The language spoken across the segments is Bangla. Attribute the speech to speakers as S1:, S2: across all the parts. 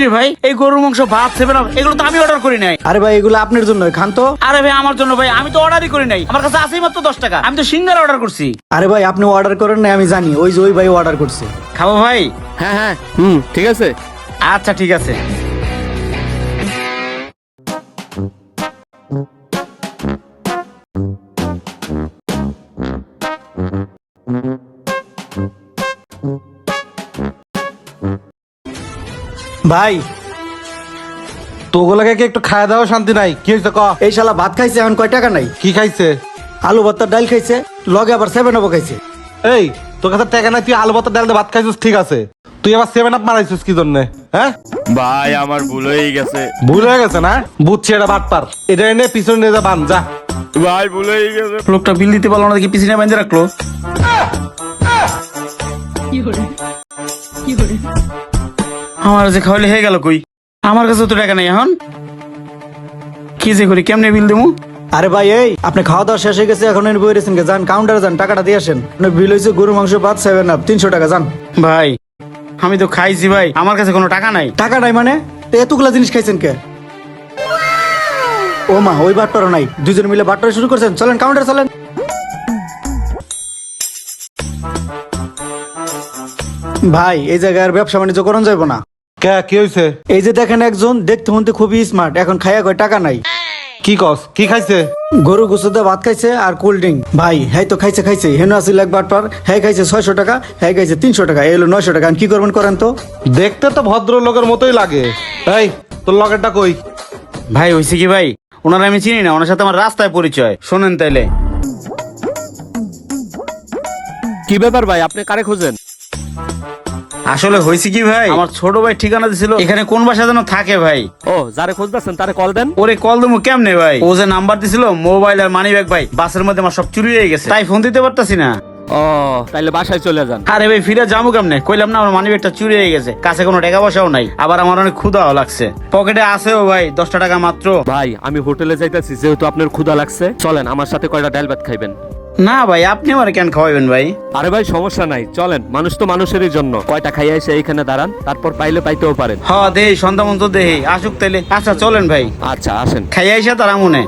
S1: রে ভাই, এই গরুর মাংস, ভাত, 7 আপ এগুলো তো আমি অর্ডার করি নাই।
S2: আরে ভাই এগুলো আপনার জন্য, খান তো।
S1: আরে ভাই আমার জন্য ভাই, আমি তো অর্ডারই করি নাই, আমার কাছে আছেই মাত্র 10 টাকা, আমি তো সিঙ্গারা অর্ডার করছি।
S2: আরে ভাই আপনি অর্ডার করেন না আমি জানি, ওই যে ওই ভাই অর্ডার করছে।
S1: খাবো ভাই?
S3: হ্যাঁ হ্যাঁ ঠিক আছে।
S1: আচ্ছা ঠিক আছে।
S2: ভাই
S4: তোগুলাকে কি একটু খাওয়া দাওয়া শান্তি নাই? কি হয়েছে ক?
S2: এই শালা ভাত খাইছে, এখন কয় টাকা নাই।
S4: কি খাইছে?
S2: আলু ভর্তার ডাল খাইছে, লগে আবার 7 আপ খাইছে।
S4: এই তোর কাছে টাকা নাই, তুই আলু ভাত ডাল দিয়ে ভাত খাইছিস ঠিক আছে, তুই আবার 7 আপ মারাইছিস কি জন্য? হ্যাঁ
S3: ভাই আমার ভুল হয়ে গেছে।
S4: ভুল হয়ে গেছে না? বুঝছি এটা বাটপার, এটা এনে পিছনে নিয়ে যা, বান যা।
S3: ভাই ভুল হয়ে গেছে।
S1: লোকটা বিল দিতে পারলো না দেখি পিছনে বেঁধে রাখলো। আমার যে খাওয়ালে হয়ে গেল কই? আমার কাছে তো টাকা নেই, এখন কি যে করি, কেমনে বিল দেবো?
S2: আরে ভাই এই আপনি খাওয়া দাওয়া শেষ হয়ে গেছে, এখন এনে বই রেছেন, যান কাউন্টারে যান, টাকাটা দিয়ে আসেন। আপনার বিল হয়েছে গরু মাংস, ভাত, 7 আপ, 300 টাকা। যান।
S1: ভাই আমি তো খাইছি ভাই, আমার কাছে কোনো টাকা নাই।
S2: টাকা নাই মানে? তো এতগুলা জিনিস খাইছেন কে? ও মা, ওই বাটপারও নাই, দুজন মিলে বাটপার শুরু করছেন। চলেন কাউন্টারে চলেন। ভাই এই জায়গায় আর ব্যবসা বাণিজ্য করন যাইব না।
S4: কে কি হয়েছে?
S2: এই যে দেখেন একজন দেখতে হতে খুবই স্মার্ট, এখন খাইয়া কয় টাকা নাই।
S4: কি কস? কি খাইছে?
S2: গরু গুছুতে ভাত খাইছে আর কোল্ড ড্রিঙ্ক। ভাই হ্যাঁ তো খাইছে হেন আসিল এক বাটপার, হ্যাঁ খাইছে 600 টাকা, হ্যাঁ খাইছে 300 টাকা, এলো 900 টাকা। কি করবেন করেন তো।
S4: দেখতে তো ভদ্র লোকের মতোই লাগে। এই তোর লগেরটা কই?
S1: ভাই হয়েছে কি ভাই, ওনারা আমি চিনি না, ওনার সাথে আমার রাস্তায় পরিচয়। শোনেন তাইলে।
S3: কি ব্যাপার ভাই, আপনি কারে খোঁজেন?
S1: আসলে হয়েছে কি ভাই, আমার ছোট ভাই ঠিকানা দিছিল এখানে কোন বাসা যেন থাকে ভাই।
S3: ও যারে খুঁজতেছেন তারে কল দেন।
S1: ওরে কল দেবো কেমনে ভাই, ও যে নাম্বার দিছিল মোবাইল আর মানি ব্যাগ ভাই, বাসের মধ্যে আমার সব চুরি হয়ে গেছে, তাই ফোন দিতে পারতাছি না।
S3: ও তাইলে বাসায় চলে যান।
S1: আরে ভাই ফিরে যাবো কেমনে, কইলাম না আমার মানি ব্যাগটা চুরি হয়ে গেছে, কাছে কোনো টাকা পয়সাও নাই, আবার আমার অনেক ক্ষুধাও লাগছে, পকেটে আছেও ভাই 10 টাকা মাত্র।
S3: ভাই আমি হোটেলে যাইতেছি, যেহেতু আপনার ক্ষুধা লাগছে চলেন আমার সাথে কয়টা ডাল ভাত খাইবেন।
S1: না ভাই আপনি আমার কেন খাওয়াবেন ভাই?
S3: আরে ভাই সমস্যা নাই, চলেন, মানুষ তো মানুষেরই জন্য। কয়টা খাইয়া এসে এইখানে দাঁড়ান, তারপর পাইলে পাইতেও পারেন।
S1: হ দেহি সন্ধ্যা মন্ত দেহি আসুক তাইলে। আচ্ছা চলেন ভাই,
S3: আচ্ছা আসেন।
S1: খাইয়া এসে তারা মনে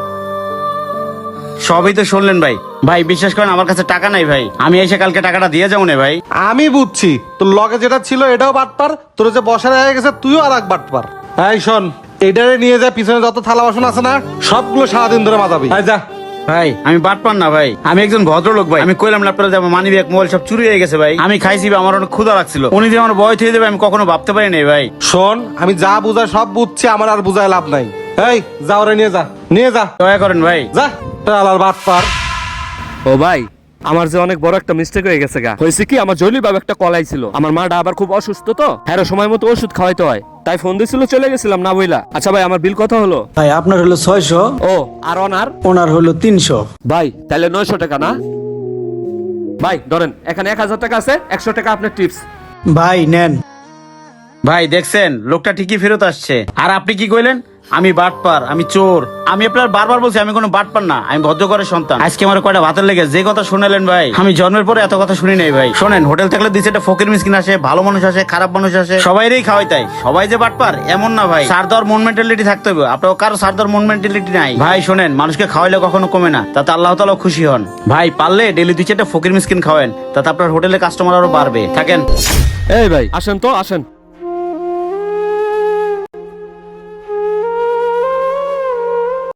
S1: সবই তো শুনলেন ভাই। ভাই বিশ্বাস করেন আমার কাছে টাকা নাই ভাই, আমি এসে কালকে টাকাটা দিয়ে যাবো না ভাই।
S4: আমি বুঝছি তোর লগে যেটা ছিল এটাও বাটপার, তোর যে বসার হয়ে গেছে তুইও আর এক বাটপার। এই শোন, এটারে নিয়ে যা, পিছনে যত থালা বাসন আছে না সবগুলো সারাদিন ধরে মাজাবি। এই যা।
S1: ভাই আমি বাটপার না ভাই, আমি একজন ভদ্রলোক ভাই, আমি কইলাম না আপনারা যে আমার মানি ব্যাগ মোবাইল সব চুরি হয়ে গেছে ভাই, আমি খাইছি ভাই, আমার অনেক ক্ষুধা লাগছিল, উনি যে আমার বয় থেকে দেবে আমি কখনো ভাবতে পারি নাই ভাই।
S4: শোন, আমি যা বুঝাই সব বুঝছি, আমার আর বুঝায় লাভ নাই। এই যা, ওরে নিয়ে যা, নিয়ে যা,
S1: দয়া করেন ভাই।
S4: যা। আলার বাটপার।
S3: ও ভাই আমার যে অনেক বড় একটা মিস্টেক হয়ে গেছে গা। হয়েছে কি, আমার জলি বাবা একটা কল আইছিল, আমার মাটা আবার খুব অসুস্থ তো, হ্যাঁ সময় মতো ওষুধ খাওয়াইতে হয়, তাই ফোন দিছিল, চলে গেছিলাম না বইলা। আচ্ছা ভাই আমার বিল কত হলো?
S2: ভাই আপনার হলো 600,
S3: ও আর ওনার?
S2: ওনার হলো 300।
S3: ভাই তাহলে 900 টাকা না? ভাই ধরেন এখানে 1000 টাকা আছে, 100 টাকা আপনার টিপস।
S2: ভাই নেন।
S1: ভাই দেখছেন লোকটা ঠিকই ফেরত আসছে। আর আপনি কি কইলেন আমি বাটপার, আমি চোর? আমি আপনার বারবার বলছি আমি কোনো বাটপার না, আমি ভদ্র ঘরের সন্তান। আজকে আমার কয়টা ভাতের লেগে যে কথা শুনালেন ভাই, আমি জন্মের পরে এত কথা শুনি নাই ভাই। শোনেন, হোটেল থাকলে দিচ্ছে একটা ফকির মিসকিন আসে, ভালো মানুষ আসে, খারাপ মানুষ আসে, সবাইরই খাওয়াই, তাই সবাই যে বাটপার এমন না ভাই। সার দেওয়ার মন মেন্টালিটি থাকতে হবে, আপনার কারো সার দেওয়ার মন মেন্টালিটি নাই ভাই। শোনেন, মানুষকে খাওয়াইলে কখনো কমে না, তাতে আল্লাহ তাআলা খুশি হন ভাই। পারলে ডেলি দিচ্ছে একটা ফকির মিসকিন খাওয়েন, তাতে আপনার হোটেলে কাস্টমার আরো বাড়বে। থাকেন।
S3: এই ভাই আসেন তো আসেন।